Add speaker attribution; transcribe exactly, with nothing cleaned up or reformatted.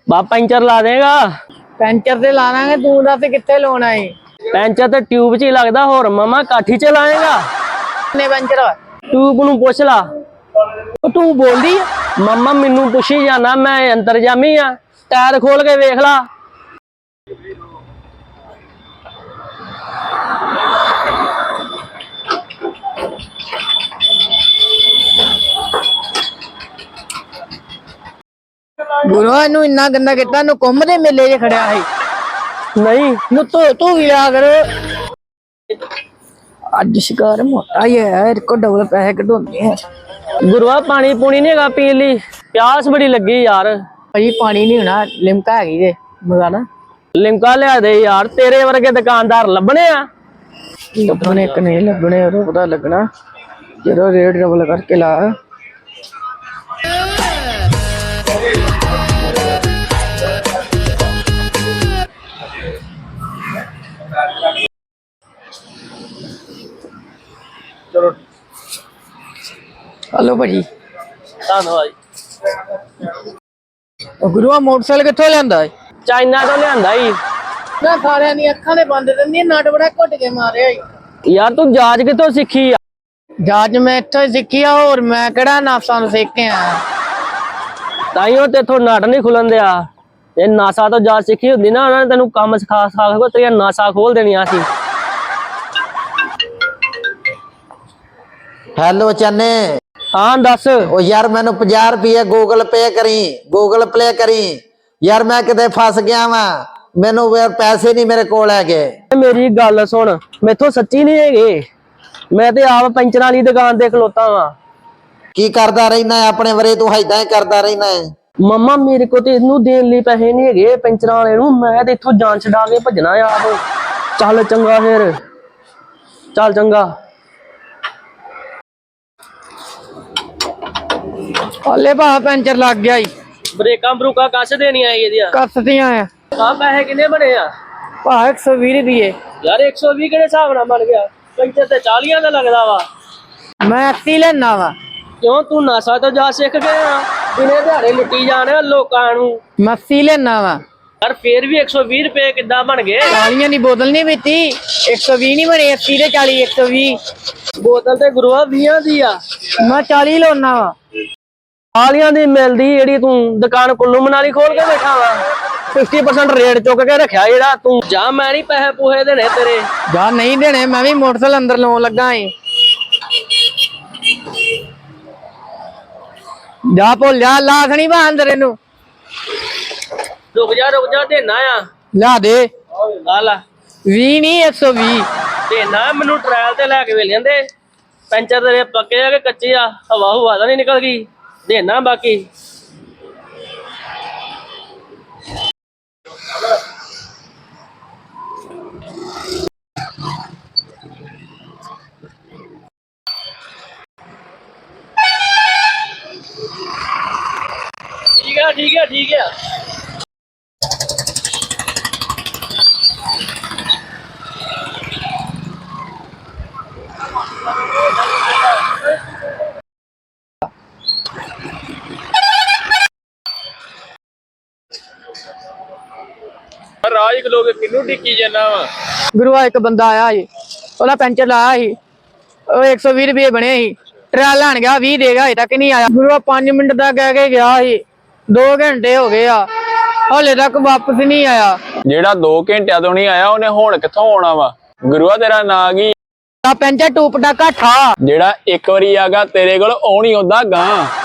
Speaker 1: बाप पंचर ला देगा।
Speaker 2: ਪੈਂਚਰ ਤੇ ਲਾ ਲਾਂਗੇ ਤੂੰ ਦੱਸ ਕਿੱਥੇ ਲਾਉਣਾ ਏ
Speaker 1: पंचर तो ट्यूब च ही लगदा होर मामा काठी च लाएगा
Speaker 2: ਕਿੰਨੇ ਪੈਂਚਰ ਵਾ
Speaker 1: ट्यूब नू पुछ ला तू बोलदी मामा मैनू पुछी जाना मैं अंतरजामी आ टायर खोल के वेख ला
Speaker 2: ਗੁਰੂ ਇਹਨੂੰ ਇੰਨਾ ਗੰਦਾ ਕੀਤਾ ਇਹਨੂੰ ਕੁੰਭ ਦੇ ਮੇਲੇ 'ਚ ਖੜਿਆ ਸੀ
Speaker 1: नहीं
Speaker 2: ਨੂੰ ਤੋ ਤੂੰ ਵੀ ਲਿਆ ਕਰ ਅੱਜ ਸ਼ਿਕਾਰ ਮੋਟਾ ਹੀ ਹੈ ਇਹ ਕੋ ਡਬਲ ਪੈਸੇ ਕਢਾਉਂਦੇ ਆ
Speaker 1: गुरुआ पानी पूनी नहीं हैगा पी ली प्यास बड़ी लगी यार
Speaker 2: ਭਾਜੀ ਪਾਣੀ ਨਹੀਂ ਹੋਣਾ ਲਿਮਕਾ ਹੈਗੀ ਜੇ ਮਗਾਣਾ
Speaker 1: लिमका लिया दे यार तेरे वर्गे दुकानदार लभने आ
Speaker 2: ਲੱਭਣੇ ਇੱਕ ਨਹੀਂ ਲੱਭਣੇ ਉਹ ਪਤਾ ਲੱਗਣਾ ਜਦੋਂ ਰੇਟ ਡਬਲ ਕਰਕੇ ਲਾ
Speaker 1: चलो
Speaker 2: ਹਲੋ ਭਾਜੀ
Speaker 1: धन्यवाद
Speaker 2: ਉਹ ਗੁਰੂਆ ਮੋਟਰਸਾਈਕਲ ਕਿੱਥੋਂ ਲਿਆਂਦਾ ਏ
Speaker 1: चाइना तो लिया ही
Speaker 2: ਨਾ ਸਾਰਿਆਂ ਦੀਆਂ ਅੱਖਾਂ ਦੇ ਬੰਦ ਦਿੰਦੀਆਂ ਨਟ ਬੜਾ ਘੁੱਟ ਕੇ ਮਾਰਿਆ ਈ
Speaker 1: यार तू जाज कितों सीखी आ
Speaker 2: ਜਾਜ ਮੈਂ ਇੱਥੋਂ ਹੀ ਸਿੱਖੀ ਆ ਹੋਰ ਮੈਂ ਕਿਹੜਾ ਨਾਸਾਂ ਨੂੰ ਸਿੱਖ ਕੇ ਆਇਆ
Speaker 1: ਤਾਈਓ तेथों नट नहीं खुलन दिया ये नासा तो जाज सीखी होंदी ना उन्होंने तेन काम सिखा सिखा के तेरिया नासा खोल देनिया सी
Speaker 3: हेलो चन्ने
Speaker 1: हाँ दस
Speaker 3: ओ यार मैनू पचास रुपये गूगल पे करी गूगल प्ले करी यार मैं किते फस गया वा मैनू पैसे नहीं मेरे कोल है
Speaker 1: मेरी गल सुन मेथों सच्ची नहीं है मैं ते आप पंचर वाली दुकान ते खलोता वा
Speaker 3: की करदा रहना है अपने वरे तू इदां ही करदा रहना है
Speaker 1: मम्मा मेरे को ते इनू देन लई पैसे नहीं है पंचर वाले नू मैं ते इथों जान छड़ा के भजना आप चल चंगा फिर चल चंगा
Speaker 2: ਹਲੇ ਭਾ ਪੈਂਚਰ ਲੱਗ ਗਿਆ ਈ
Speaker 1: ब्रेकां ब्रूकां कस देनियां आई ਇਹਦੀਆਂ
Speaker 2: ਕੱਸਦੀਆਂ ਆ
Speaker 1: ਆ ਪੈਸੇ ਕਿੰਨੇ ਬਣੇ ਆ
Speaker 2: ਭਾ ਇੱਕ ਸੌ ਵੀਹ ਰੁਪਏ
Speaker 1: ਯਾਰ ਇੱਕ ਸੌ ਵੀਹ ਕਿਹੜੇ ਹਿਸਾਬ ਨਾਲ ਬਣ ਗਿਆ ਪੰਚਰ ਤੇ ਚਾਲੀਆਂ ਦਾ ਲੱਗਦਾ ਵਾ
Speaker 2: ਮੈਂ ਅੱਸੀ ਲੈਣਾ ਵਾ
Speaker 1: ਕਿਉਂ ਤੂੰ ਨਾਸਾ ਤੋਂ ਜਾ ਸਿੱਖ ਗਿਆ ਦਿਨੇ ਦਿਹਾੜੇ ਲੁੱਟੀ ਜਾਣੇ ਲੋਕਾਂ ਨੂੰ
Speaker 2: ਮੈਂ ਅੱਸੀ ਲੈਣਾ ਵਾ
Speaker 1: ਯਾਰ ਫੇਰ ਵੀ ਇੱਕ ਸੌ ਵੀਹ ਰੁਪਏ ਕਿੱਦਾਂ ਬਣ ਗਏ
Speaker 2: ਚਾਲੀਆਂ ਦੀ ਬੋਤਲ ਨਹੀਂ ਪੀਤੀ ਇੱਕ ਸੌ ਵੀਹ ਨਹੀਂ ਬਣੇ ਅੱਸੀ ਤੇ ਚਾਲੀ ਇੱਕ ਸੌ ਵੀਹ
Speaker 1: ਬੋਤਲ ਤੇ ਗੁਰੂਆ ਵੀਹਾਂ ਦੀ ਆ
Speaker 2: ਮੈਂ ਚਾਲੀ ਲਾਉਣਾ ਵਾ
Speaker 1: ਚਾਲੀਆਂ ਦੀ ਮਿਲਦੀ ਜਿਹੜੀ ਤੂੰ ਦੁਕਾਨ ਕੁੱਲੂ ਮਨਾਲੀ ਖੋਲ ਕੇ ਬੈਠਾ ਵਾ ਪਚਾਸ ਪਰਸੈਂਟ ਰੇਟ ਚੁੱਕ ਕੇ ਰੱਖਿਆ ਜਿਹੜਾ ਤੂੰ ਜਾ ਮੈਂ ਨਹੀਂ ਪੈਸੇ ਪੂਹੇ ਦੇਣੇ ਤੇਰੇ
Speaker 2: ਜਾ ਨਹੀਂ ਦੇਣੇ ਮੈਂ ਵੀ ਮੋਟਰਸਾਈਕਲ ਅੰਦਰ ਲਾਉਣ ਲੱਗਾ ਏ ਜਾ ਭੁੱਲ ਜਾ ਲਾ ਸਣੀ ਬਾ ਅੰਦਰ ਇਹਨੂੰ
Speaker 1: ਰੁਕ ਜਾ ਰੁਕ ਜਾ ਦੇਣਾ ਆ
Speaker 2: ਲਾ ਦੇ
Speaker 1: ਆ ਲੈ
Speaker 2: ਵੀਹ ਨਹੀਂ ਇੱਕ ਸੌ ਵੀਹ
Speaker 1: ਦੇਣਾ ਮੈਨੂੰ ਟ੍ਰਾਇਲ ਤੇ ਲੈ ਕੇ ਵੇਲ ਜਾਂਦੇ ਪੈਂਚਰ ਤੇਰੇ ਪੱਕੇ ਆ ਕਿ ਕੱਚੇ ਆ ਹਵਾ ਹੁਵਾ ਤਾਂ ਨਹੀਂ ਨਿਕਲ ਗਈ ਦੇਣਾ ਬਾਕੀ ठीक है ठीक है ठीक है राज लोग किनू टिकी जाना वा
Speaker 2: ਗੁਰੂਆ ਇੱਕ ਬੰਦਾ ਆਇਆ ਸੀ ਉਹਦਾ ਪੈਂਚਰ ਲਾਇਆ ਸੀ ਉਹ ਇੱਕ ਸੌ ਵੀਹ ਰੁਪਏ ਬਣੇ ਸੀ ਟਰਾਲ ਲੈਣ ਗਿਆ ਵੀਹ ਦੇਗਾ ਹਜੇ ਤੱਕ ਨਹੀਂ ਆਇਆ ਗੁਰੂਆ ਪੰਜ ਮਿੰਟ ਦਾ ਕਹਿ ਕੇ ਗਿਆ ਸੀ ਦੋ ਘੰਟੇ ਹੋ ਗਏ ਆ ਹਲੇ ਤੱਕ ਵਾਪਸ ਨਹੀਂ ਆਇਆ
Speaker 4: ਜਿਹੜਾ ਦੋ ਘੰਟਿਆਂ ਤੋਂ ਨਹੀਂ ਆਇਆ ਉਹਨੇ ਹੁਣ ਕਿੱਥੋਂ ਆਉਣਾ ਵਾ ਗੁਰੂਆ ਤੇਰਾ ਨਾਂ ਕੀ
Speaker 2: ਆ ਪੈਂਚਰ ਟੂਪ ਦਾ ਘਾਠਾ
Speaker 4: ਜਿਹੜਾ ਇੱਕ ਵਾਰੀ ਆਗਾ ਤੇਰੇ ਕੋਲ ਆਉਣੀ ਹੁੰਦਾ ਗਾਂ